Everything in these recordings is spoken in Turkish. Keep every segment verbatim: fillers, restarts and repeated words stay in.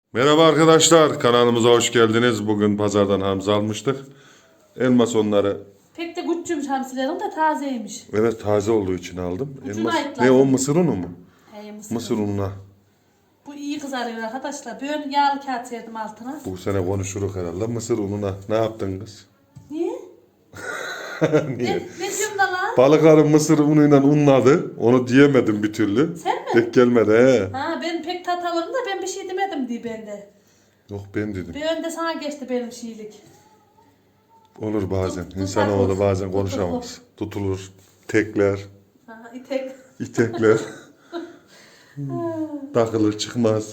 Merhaba arkadaşlar, kanalımıza hoş geldiniz. Bugün pazardan hamza almıştık. Elmas onları, Pek de küçükmüş hamsilerim de tazeymiş. evet taze olduğu için aldım. Ucuna Elmas, ayıkladım. ne o mısır unu mu? He, mısır. Mısır ununa. Bu iyi kızarıyor arkadaşlar. Ben yağlı kağıt serdim altına. Bu sene konuşuruz herhalde. Mısır ununa ne yaptın kız? Niye? Niye? Ne, ne diyorum da lan? Balık arı mısır unuyla unladı. Onu diyemedim bir türlü. Sen mi? Tek gelmedi he. Ha ben pek tat alırım da ben bir şey demedim diye bende. Yok ben dedim. Bir önde sana geçti benim şeylik. Olur bazen. Tut- İnsanoğlu tutulur. bazen konuşamaz. Tutulur. Tekler. Ha itek. İtekler. Takılır çıkmaz.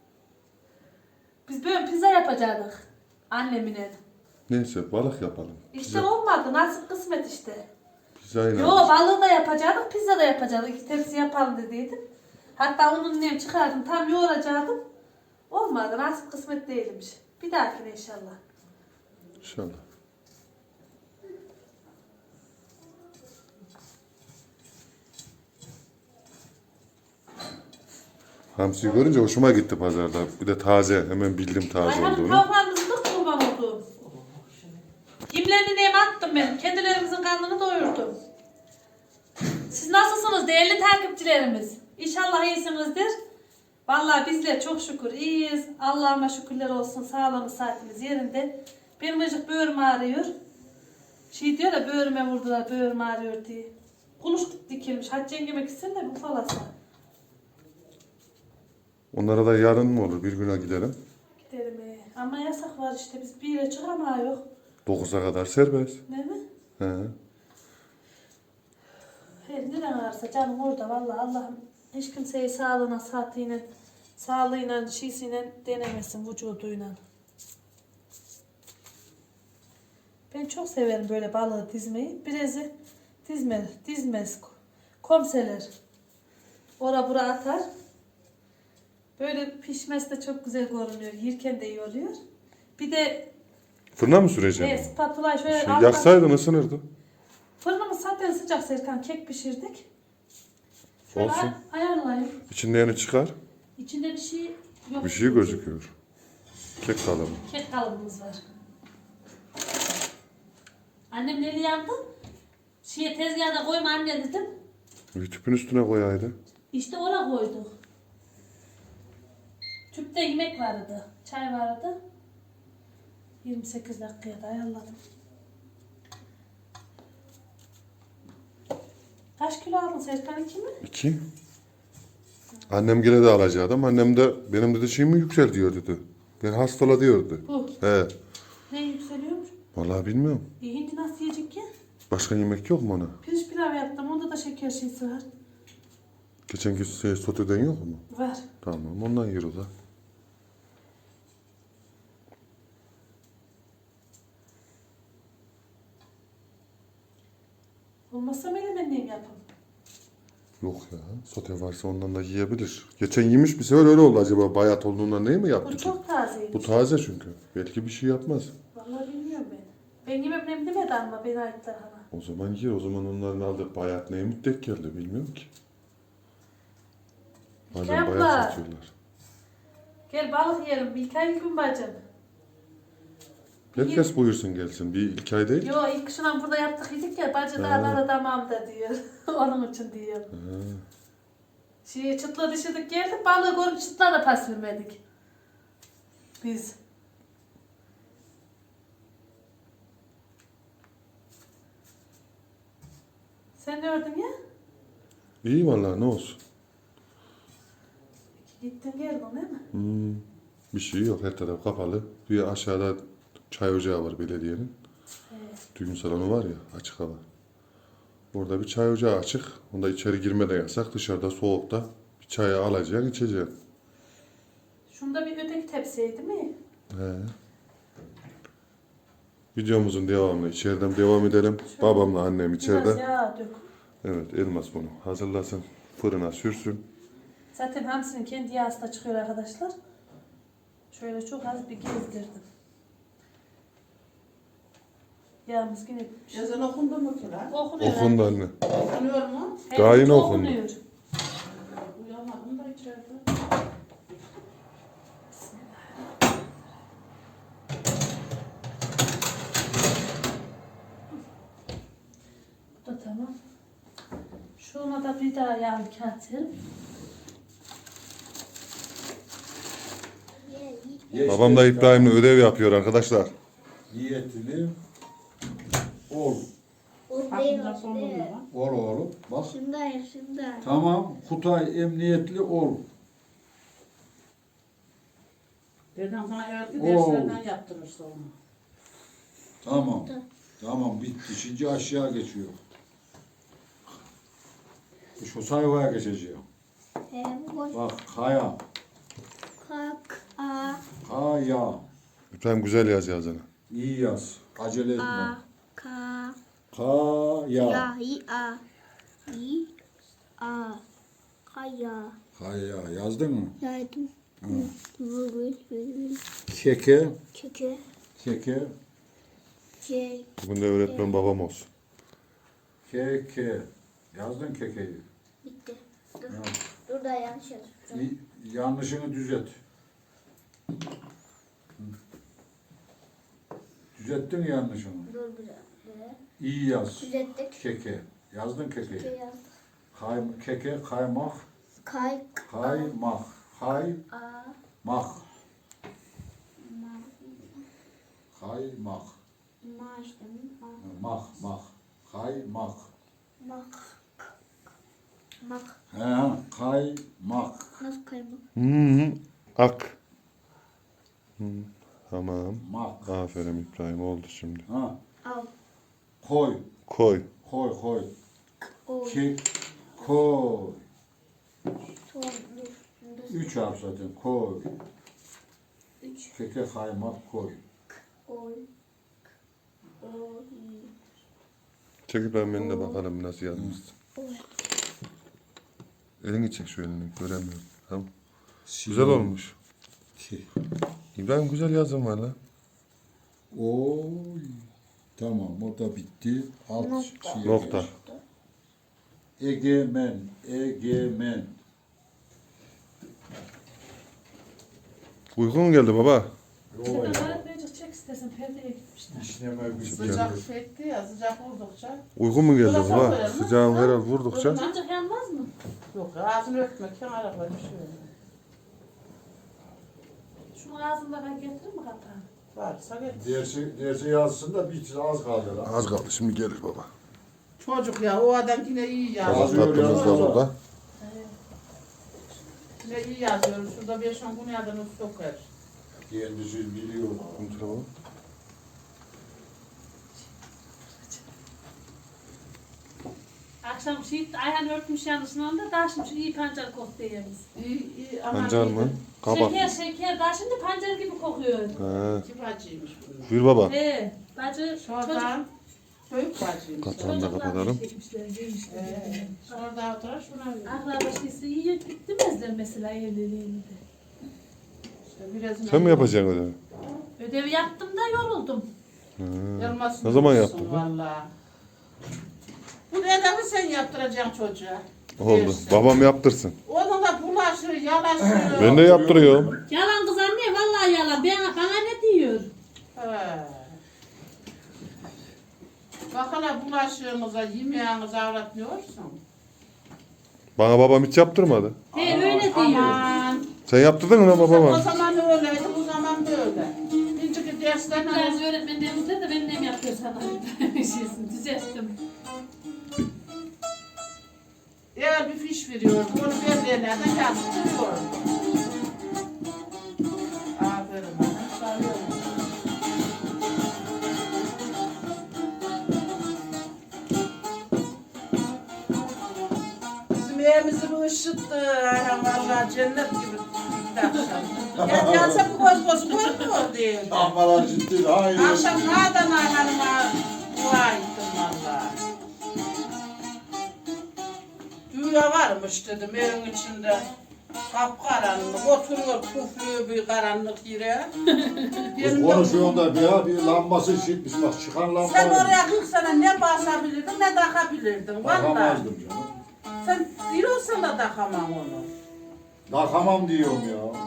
Biz böyle pizza yapacaktık. Annemine. Neyse balık yapalım. İşte olmadı. Nasip kısmet işte. Pizzayla. Yo balığı da yapacaktık, pizza da yapacaktık. İki tepsi yapalım dediydim. Hatta onun nem çıkardım, tam yoğuracaktım. Olmadı, nasip kısmet değilmiş. Bir dahakine inşallah. İnşallah. Hamsiyi görünce hoşuma gitti pazarda. Bir de taze. Hemen bildim taze Ayhan'ın olduğunu. tavuklarımızın da kurban oldu. Kimlerini neyime attım ben. Kendilerimizin karnını doyurdum. Siz nasılsınız değerli takipçilerimiz? İnşallah iyisinizdir. Vallahi bizler çok şükür iyiyiz. Allah'ıma şükürler olsun. Sağlığımız, saatimiz yerinde. Benim acık böğrüm ağrıyor. Şey diyor ya böğrüme vurdular, böğrüm ağrıyor diye. Kuluş dikilmiş. Hacı yengeme gitsin de bu falasa. Onlara da yarın mı olur? Bir güne gidelim. Gidelim ee. Ama yasak var işte. Biz bir yere çıkamıyoruz. dokuza kadar serbest. Değil mi? He. Her neren varsa canım orada vallahi Allah'ım hiç kimseyi sağlığına, saatiyle, sağlığıyla, şeysiyle denemesin vücuduyla. Ben çok severim böyle balığı dizmeyi. Birazı dizme, dizmez. Komseler. Ora bura atar. Böyle pişmesi de çok güzel görünüyor. Yerken de iyi oluyor. Bir de Fırına mı süreceksin? e, spatula şöyle Şey, alttan- yaksaydın ısınırdı. Fırınımız zaten sıcak Serkan. Kek pişirdik. Şöyle Olsun. ay- ayarlayayım. İçinden çıkar. İçinde bir şey yok. Bir şey gözüküyor. Kek kalıbı. Kek kalıbımız var. Annem neli yandı? Şeye tezgahına koyma anne dedim. Bir tüpün üstüne koyaydı. İşte oraya koyduk. Tüpte yemek vardı. Çay vardı. yirmi sekiz dakikaya da ayarladım. Kaç kilo aldın Serkan, iki mi? İki. Annem gene de alacaktım. Annem de benim dedi şeyim mi yüksel diyor dedi. Ben hastala diyordu. Bu. He. Ne yükseliyormuş? Vallahi bilmiyorum. E, hindi nasıl yiyecek ki? Başka yemek yok mu ona? Pirinç pilav yaptım. Onda da şeker şeysi var. Geçen gün şey, soteden yok mu? Var. Tamam ondan yer o da. Olmazsa menemenliyim yapın. Yok ya. Sote varsa ondan da yiyebilir. Geçen yemiş bir sefer öyle oldu acaba. Bayat olduğundan değil mi yaptı Bu ki? çok tazeymiş. Bu taze çünkü. Belki bir şey yapmaz. Vallahi bilmiyorum ben. Ben yemem nem demedi ama beni ayıplar hala. O zaman yer. O zaman onların aldık bayat neye müddek geldi bilmiyorum ki. Bazen Yapma. bayat satıyorlar. Gel balık yiyelim. Bir iki ay gün bacım. Herkes buyursun gelsin. Bir ilk ay değil ki. Yo ilk kışından burada yaptık yedik ya. Bacı da da tamam da diyor. Onun için diyor. Ha. Şey çıtla dışıdık geldik. Balığı görüp çıtla da pas vermedik. Biz. Sen ne ördün ya? İyi vallahi ne olsun. Gittin geldin değil mi? Hmm. Bir şey yok. Her taraf kapalı. Bir aşağıda çay ocağı var belediyenin. Evet. Düğün salonu var ya açık hava. Orada bir çay ocağı açık. Onda içeri girme de yasak. Dışarıda soğukta bir çayı alacaksın içeceksin. Şunda bir öteki tepsiydi mi? He. Videomuzun devamını içeriden devam edelim. Babamla annem Biraz içeride. yağ dök. Evet Elmas bunu hazırlasın. Fırına sürsün. Zaten hamsinin kendi yağısı da çıkıyor arkadaşlar. Şöyle çok az bir gezdirdim. Yağımız yine bitmiş. Yazın okundu mu ki lan? Okunuyor. Okundu anne. Okunuyor mu? Daha yeni okundu. okunuyor. Uyamadım da içeride. Bismillah. Şuna da bir daha yağlı kağıt serin. Ye Babam da işte, İbrahim'le ödev yapıyor arkadaşlar. Niyetini ol. Aklımda sonunda var. Ol oğlum. Bak. Şundayım, şundayım. Tamam. Kutay emniyetli ol. Dedem sana öğretti Oo. derslerden yaptırırsa onu. Tamam. Tamam bitti. Şimdi aşağı geçiyor. Şu sayfaya geçeceğim. Ee, bu boş. Bak kaya. Kalk, a, Kaya. İbrahim güzel yaz yazını. İyi yaz. Acele etme. a, ka, Kaya. ya, i, a, i, a, kaya. Kaya. Yazdın mı? Yardım. Vurgul, virgül, Keke. keke, Keke. c, Bugün de öğretmen babam olsun. Keke. Yazdın kekeyi. bitti. Dur, Ya. dur da yanlış yazmışım. İyi, yanlışını düzelt. Düzelttin mi yanlışını? Dur bir dakika. İyi yaz. Düzelttik. Keke. Yazdın Keke kekeyi. yazdık. Kay, keke, kaymak, Kay, kaymak, kaymak, a, kaymak, ma, ma işte, ma, mak, mak, kaymak. mak, mak. He, kaymak, Nasıl kaymak? Hı hı. Ak. Hı. Tamam. mak. Aferin İbrahim oldu şimdi. Ha, Al, koy, Koy. koy, koy. oy, Ki, koy. son, dur, dur. Üç harf zaten, koy. Üç, Keke, kaymak, koy. oy, oy, Çek İbrahim beni de bakalım nasıl yazmışsın. oy. Elini çek şu elini göremiyorum. Tamam. Güzel olmuş. Ki. İbrahim güzel yazın var lan. Oy. Tamam o da bitti. Alt Nokta. şeye Nokta. geç. Egemen. Egemen. Uykun mu geldi baba? Sen Yo ya. öğretmenci çek istesin perdeye gitmişler. İşleme bir Sıcak fetti ya, sıcak vurdukça. Uykun mu geldi Burası baba? koyalım. Sıcağın Ha? herhal vurdukça. Çocuk yanmaz mı? Yok ağzını öpmek, kenara koy bir şey. Şunu ağzında ben getireyim mi kapağını? Varsa getir. Dersi, dersi yazsın da bir az kaldı lan. Az kaldı şimdi gelir baba. Çocuk ya, o adam yine iyi Tabak yazıyor. Yazıyor, tatlımız da yazıyor. burada. Yine iyi yazıyor. Şurada beş on gün adını sokar. Kendisi biliyor. Kontrol baba. Akşam şey Ayhan örtmüş yanlışından da daha şimdi şu iyi pancar koktu yeriz. İyi, iyi ama Pancar mı? Kabak. Şeker şeker daha şimdi pancar gibi kokuyor. He. İki bacıymış bunlar. Buyur baba. He, bacı Şuradan büyük bacıymış. Kat- Kapağını da kapatalım. Çekmişler, giymişler. Ee, şurada oturar şuna. Akraba şeysi iyi demezler mesela evliliğini de. İşte birazını Sen mi yapacaksın ödevi? Ödevi yaptım da yoruldum. He. Yarmasını Ne zaman bulursun yaptın? Vallahi. Bu ödevi sen yaptıracaksın çocuğa. Oldu. Dersin. Babam yaptırsın. Onun da bulaşır, yalaşır. Ben de yaptırıyorum. Yalan kız anne vallahi yalan. Bana, bana ne diyor? He. Bak hala bulaşığınıza, yemeğinize avratmıyorsun. Bana babam hiç yaptırmadı. He öyle diyor. Aman. Sen yaptırdın mı lan O babama? zaman öyleydi, bu zaman böyle. Birinci derslerine Biraz öğretmenlerimizde de benim yapıyor sana. Şeysin düzelttim. eğer bir fiş veriyor, onu verdiğinlerden yazdırıyor. Aferin bana, sarıyorum. Bizim evimizi bu ışıttı. Aynen vallahi cennet gibi gitti akşam. Ya gelse bu göz göz görmüyor değil. Ahmalar ciddi. Hayır. Akşam nereden Ayhan'ıma dua ettim valla. Dünya varmış dedim evin içinde. Kapkaranlık, oturuyor pufluyor bir karanlık yere. Kız konuşuyorsun da bir, ya, bir lambası şişmiş bak çıkan lamba. Sen oraya kırk sene ne basabilirdin ne takabilirdin valla. Takamazdım canım. Sen diyorsun da takamam onu. Takamam diyorum ya.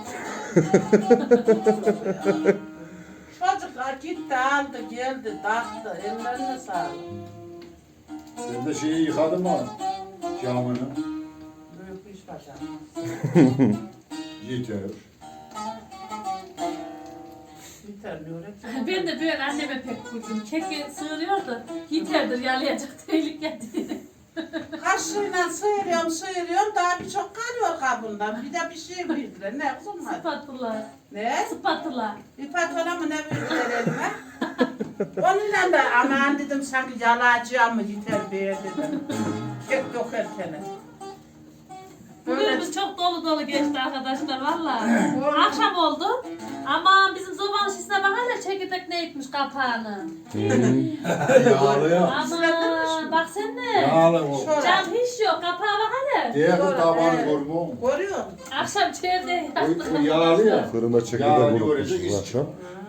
Çocuklar gitti aldı geldi taktı ellerine sağlık. Sen de şeyi yıkadın mı? camını Büyük bir iş başardı. yeter. Yeter diyor. Ben de böyle anneme pek kurdum. Keki sığırıyordu. Yeterdir yalayacak tehlike diye. Kaşığıyla sıyırıyorum sıyırıyorum daha birçok kalıyor kabından. Bir de bir şey bildiler. Ne kızım hadi. Spatula. Ne? Spatula. İpatola mı ne bildiler elime? Onunla da aman dedim sanki yalayacağım mı yeter be dedim. Kek yok erkene. Bugünümüz çok dolu dolu geçti arkadaşlar valla. Akşam oldu. Ama bizim zobanın şişine bak hele çekirdek ne etmiş kapağını. Yağlı ya. Aman bak sen ne? Yağlı o. Cam hiç yok kapağa bak hele. Diğer bu Doğru, tabanı evet. görmüyor musun? Görüyor musun? Akşam çevre O, o yağlı ya. Fırına Yağlı çekirdek görecek unutmuşuz iş akşam.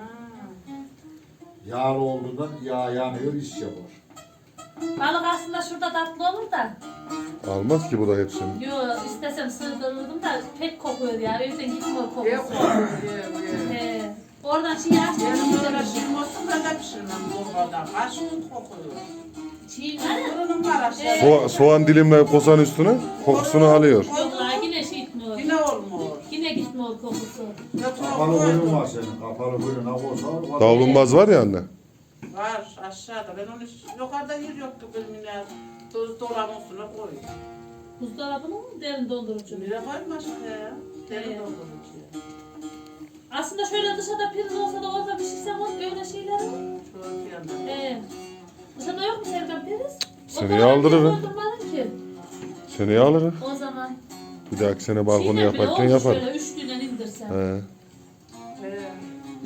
Yağlı olduğundan yağ yanıyor, iş yapar. Balık aslında şurada tatlı olur da. Almaz ki bu da hepsini. Yo istesem sığdırırdım da pek kokuyor ya. O yüzden gitmiyor Ye kokusu. kokuyor, ye, ye. He. Oradan şey açmış. Benim böyle pişirmezsin ben de pişirmem zorbadan. Kaç gün kokuyor. Çiğ var ya. Fırının var aşağıda. Soğa- soğan dilimle kosan üstüne kokusunu alıyor. Yok la yine şey gitmiyor. Yine olmuyor. Yine gitmiyor kokusu. Kapalı bölüm var senin. Kapalı bölüm ne olsa var. Davlumbaz var ya anne. Var aşağıda. Ben onu yukarıda yer yoktu bilmem. Tuz dolabın üstüne koy. Buzdolabını mı derin dondurucu? Nereye koyma aşağıya ya? Derin Evet. doldurucuya. Aslında şöyle dışarıda priz olsa da orada pişirsem o öyle şeyler var. Şöyle bir yandan. Ee, dışarıda yok mu Serkan priz? Seneye aldırırım. Doldurmadın ki. Seneye alırız. O zaman. Bir dahaki sene balkonu Çiğne bile yaparken olmuş yaparız. Şöyle üçlüden indirsen. He. Ee,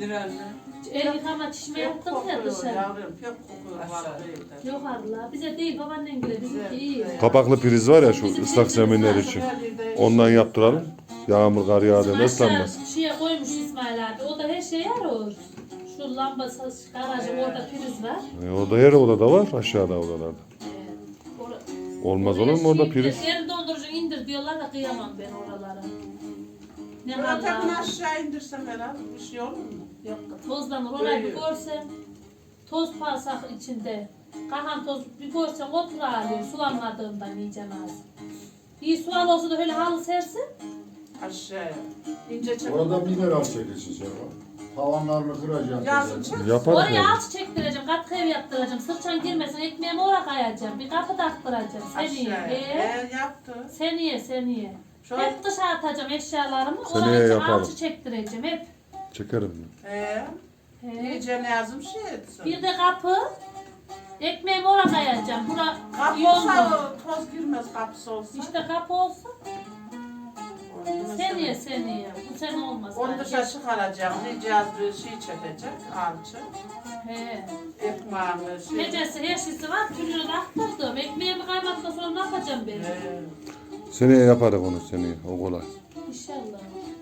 El yıkama çişme Pek yaptım ya kokuyor dışarı. yavrum. Pek kokuyor var evde. Yok Allah. Bize değil babaannen bile bizimki iyi. Kapaklı priz var ya şu ıslak zeminler için. Ondan yaptıralım. Yağmur kar yağdığında ıslanmaz. Aşağı şeye koymuş İsmail abi. O da her şeye yarar. Şu lamba garajı orada priz var. E, orada her odada var aşağıda odalarda. Ee, ora- Olmaz olur mu orada Şey, priz? derin dondurucu indir diyorlar da kıyamam ben oralara. Ne Zaten hala. aşağı indirsem herhalde bir şey olur mu? Yok tozlanır. Orayı bir Böyle. görsen toz parsak içinde. Kahan toz bir görsen otur ağlıyor. Sulanmadığından yiyeceğim az. İyi sual olsa da öyle halı sersin. Aşağıya. İnce çek. Orada mineral çekilsin ya. Tavanlarını kıracaksın. Yazın çek. Yaparız Oraya yani. alçı çektireceğim, katkı ev yaptıracağım, sırçan girmesin, ekmeğimi oraya kayacağım, bir kapı taktıracağım, seneye. Aşağıya. Ee, Ee, yaptı. seneye, seneye. Şu Hep dışarı atacağım eşyalarımı, Seneye oraya için yapalım. alçı çektireceğim hep. Çekerim. Ee, He. iyice ne yazım şey etsin. Bir de kapı, ekmeğimi oraya kayacağım, bura Kapı yolda. olsa toz girmez kapısı olsa. İşte kapı olsa, Onu seneye, mesela- seneye, bu sene olmaz. Onu yani. dışarı çıkaracağım. Diyeceğiz bir şey çekecek. Alçı. He. Ekmeğimi şey. Gecesi her şeysi var, türlü aktırdım. Ekmeğimi kaymaktan sonra ne yapacağım ben? Ee, Seneye yaparız onu seneye. O kolay. İnşallah.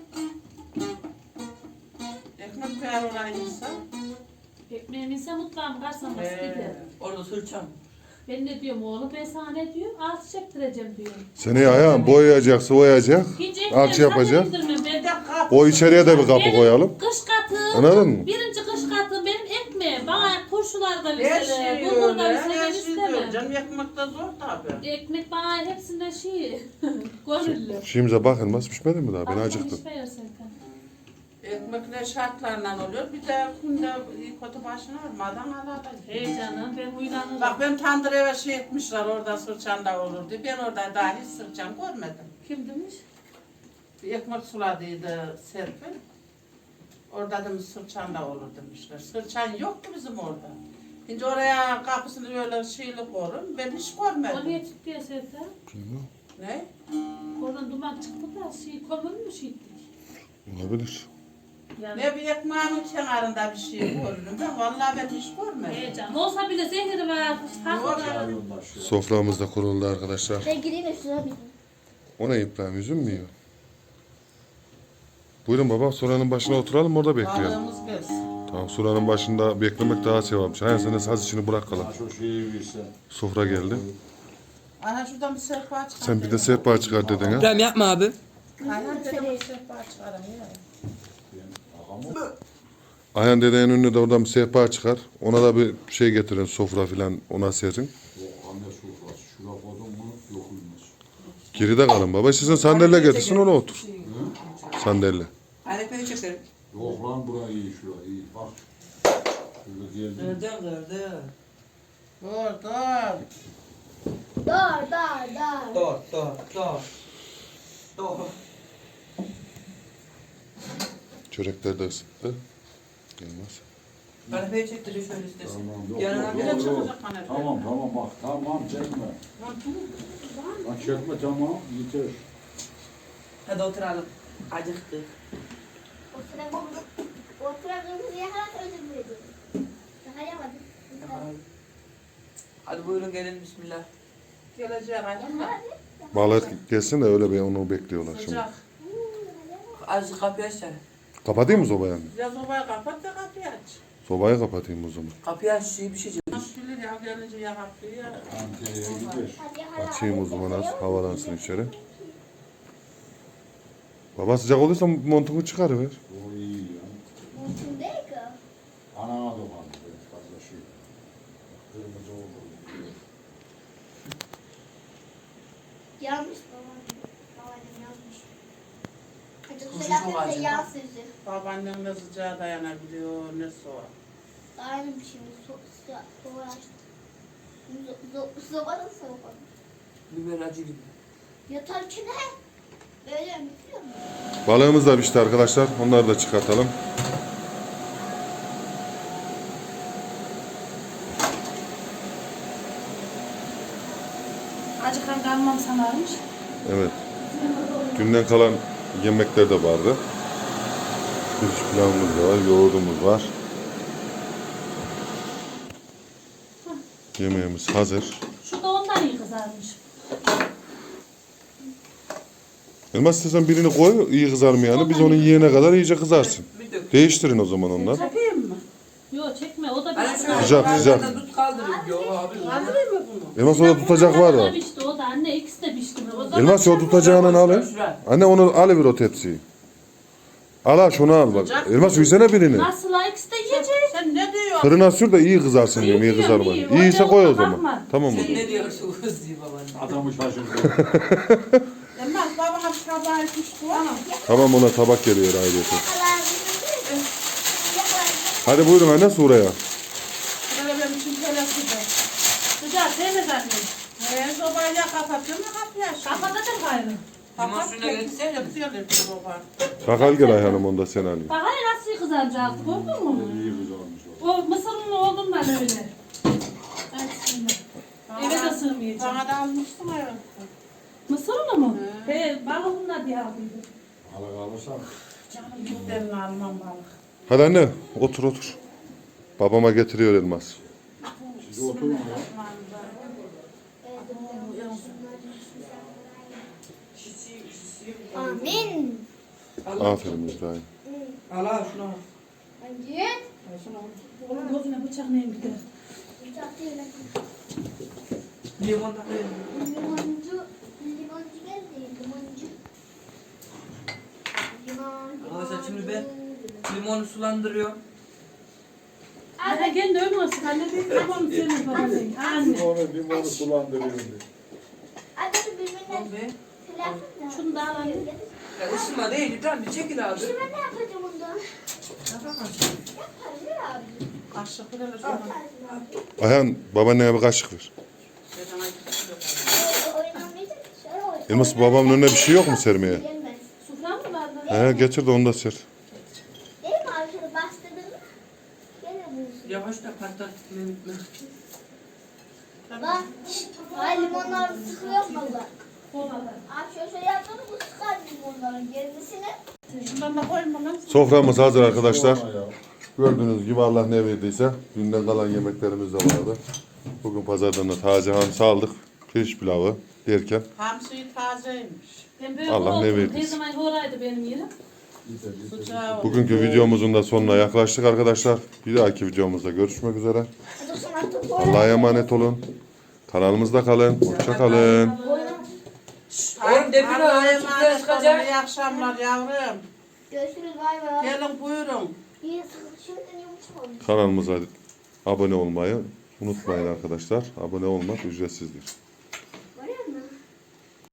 ekmek koyar oraya insan. Ekmeğim ise mutfağım karşılaması Ee, gider. orada sırçam. Ben ne diyorum oğlum, ben sana ne diyorum? Altı çektireceğim diyorum. Seneye ayağım boyayacak, sıvayacak. İkinci Alçı yapacak. indirmem. Ben de O içeriye de bir kapı benim koyalım. kış katım. Anladın mı? Birinci kış katım benim ekmeğim. Bana turşularda Her lisele, şey bulgurda öyle. lisele Her şey diyor. istemem. Canım ekmek de zor tabii. Ekmek bana hepsinde şey, gönüllü. Şeyimize bakın nasıl pişmedi mi daha? Ben Akşam acıktım. iş verirsen kan. Ekmek ne şartlarla oluyor. Bir de kunde kötü başına olmadan alada. Hey canım ben uyanırım. Bak ben tandır eve şey etmişler orada sırçanda olurdu. Ben orada daha hiç sırçan görmedim. Kim demiş? Bir ekmek suladıydı Serpil. Orada demiş sırçanda olur demişler. Sırçan yoktu bizim orada. Şimdi oraya kapısını böyle şeyli korun. Ben hiç O niye görmedim. çıktı ya Serkan? Ne? Oradan duman çıktı da şey kömür mü şeydik? Olabilir. Yani Ne bir ekmeğin kenarında bir şey gördüm ben. Vallahi ben hiç görmedim. heyecan. Olsa bile zehri var. Haklı. Soframız da kuruldu arkadaşlar. Ben gireyim de şuna bir. O ne İbrahim? Üzüm mü yiyor? Buyurun baba, Sura'nın başına oturalım, orada bekleyelim. Balığımız gelsin. Tamam, Sura'nın başında beklemek daha sevapmış. Hayır, sen de saz işini bırakalım. Ha, şu şeyi versen. Sofra geldi. Aha şuradan bir sehpa çıkar. Sen bir de sehpa çıkar dedin ha. İbrahim yapma abi. Ayhan dedim bir sehpa çıkarım ya. Ayhan dedenin önüne de oradan bir sehpa çıkar. Ona da bir şey getirin, sofra filan ona serin. Yok anne sofrası. Şura koydun mu yok olmaz. Geride kalın baba. Sizin sandalye getirsin ona otur. Sandalye. Arife'yi çekerim. Yok lan bura iyi şura iyi bak. Şöyle geldi. Kırdı kırdı. Dur dur. Dar dar dar. Dur dur dur. Dur. Çörekler de ısıttı. Gelmez. Arife'yi çektiriyor şöyle istesin. Tamam yok. Yanına yok, bir Bir de yok, yok. çıkacak kanepe. Tamam tamam bak tamam çekme. Lan çekme tamam yeter. Hadi oturalım. Acıktık. Oturamıyoruz ya kadar özür dilerim. Sayamadım. Hadi buyurun gelin bismillah. Gelecek acaba. Bağlar gelsin de öyle bir onu bekliyorlar şimdi. Sıcak. Azıcık kapıyı aç sen. Kapatayım mı sobayı? Ya sobayı kapat da kapıyı aç. Sobayı kapatayım o zaman. Kapıyı aç şey bir şey çevir. Nasıl bilir ya gelince ya kapıyı ya. Ankara'ya gider. Açayım o zaman az havalansın içeri. Baba sıcak olursa montunu çıkarıver. O iyi ya. Mümkün değil ki. Anana dokandı böyle fazla şey. Kırmızı oldu. Yanlış babam. Babaannem yanlış. Hadi Kuzu kusura çok bakma acı. yağ sözü. Babaannem ne sıcağa dayanabiliyor ne soğuk. Aynı bir şey. So sıcak. Soğuk açtım. Sobanın soğuk olmuş. Biber acı gibi. Yatarken he. Böyle biliyor musun? Balığımız da pişti arkadaşlar. Onları da çıkartalım. Acıkan kalmam sanarmış. Evet. Günden kalan yemekler de vardı. Pirinç pilavımız da var, yoğurdumuz var. Yemeğimiz hazır. Şu da ondan iyi kızarmış. Elmas istersen birini koy, iyi kızarmayanı. Biz onu yiyene kadar iyice kızarsın. Bir dök. Değiştirin o zaman onları. Çekeyim mi? Yok çekme o da Hani pişti. şöyle Sıcak, sıcak. yukarıdan tut kaldırın. Yok abi. Kaldırayım mı bunu? Elmas orada tutacak var O da da. pişti o da anne ikisi de pişti. O zaman Elmas o tutacağını alın. Şuraya. Anne onu alıver o tepsiyi. Al al şunu al bak. Elmas versene birini. nasıl la ikisi de yiyecek. Sen ne diyorsun? Fırına sür de iyi kızarsın diyorum, iyi İyi diyorum, kızarma. iyi. İyiyse Orada koy o olsa zaman. bakma. Tamam mı? Sen ne diyorsun kız diye babaanne. Adamı şaşırdı. Elmas babana bir tabağı etmiş bu. Tamam. Tamam ona tabak geliyor ayrıca. Yakalardım. Hadi buyurun anne Sura'ya. Böyle benim için şöyle sıcak. Sıcak sevmez anne. He sobayı ya kapatıyorum ya kapıyı açıyorum. Kapatacak gayrı. Limon suyuna geçsene. Yapıyorlar soba. Kakal gel Ayhan'ım onu da sen alayım. Bak hani nasıl iyi kızarmış altı gördün mü? İyi kızarmış o. O mısırın olduğundan öyle. Hadi şimdi. Eve de sığmayacağım. Bana da almıştın ya. Mısırını mı? He balığımla diye aldıydım. Hala kalırsan. Canım gitlerini almam balık. Hadi anne otur otur. Babama getiriyor Elmas. Siz oturun ya. Amin. Aferin İbrahim. Al al şunu. Önce Onun gözüne bıçak neyim gider. bıçak değil. Limondan verin. Limoncu. Limoncu geldi. Limoncu. Limon. Arkadaşlar şimdi ben limonu sulandırıyorum. Anne kendi ölmesin. Anne bir tamam sevmez babasın. Anne. Limonu limonu sulandırıyorum diye. Hadi birbirine Ve silah. Şunu da al anne. ya ısınma değil İbrahim bir çekil abi. Şimdi ben ne yapacağım bundan? Yapamazsın. Yaparım ya abi. Kaşık bile şöyle. Yaparım abi. Ayhan babaannene bir kaşık ver. Dedene gidiyor. Öyle oynamayacak. Şöyle oynayacak. Elmas babamın önüne bir şey yok mu sermeye? Gelmez. Sufran mı var lan? He getir de onu da ser. Değil mi abi? Şöyle bastırdın mı? Gelir bulursun. Yavaş da patlat. Mehmet Mehmet. Bak. Ay limonlar sıkıyor mu bak? Kovada. Abi şöyle şöyle yaptın mı bu sıkar limonların gerisini. Şundan da koyma lan. Soframız hazır arkadaşlar. Sonra ya. Gördüğünüz gibi Allah ne verdiyse dünden kalan yemeklerimiz de vardı. Bugün pazardan da taze hamsi aldık. Pirinç pilavı derken Hamsi tazeymiş. Ben böyle Allah ne korktum. verdiyse. Her zaman oraydı benim yerim. Yeter yeter. Sıcağı oldu. bugünkü videomuzun da sonuna yaklaştık arkadaşlar. Bir dahaki videomuzda görüşmek üzere. Hadi sonra topu Allah'a emanet olun. Kanalımızda kalın. Hoşça kalın. Oğlum defile Allah'a öyle sütler emanet olun. çıkacak. İyi akşamlar yavrum. görüşürüz bay bay. Gelin buyurun. İyi sıkı şimdiden yumuşak olmuş. Kanalımıza abone olmayı unutmayın arkadaşlar. Abone olmak ücretsizdir.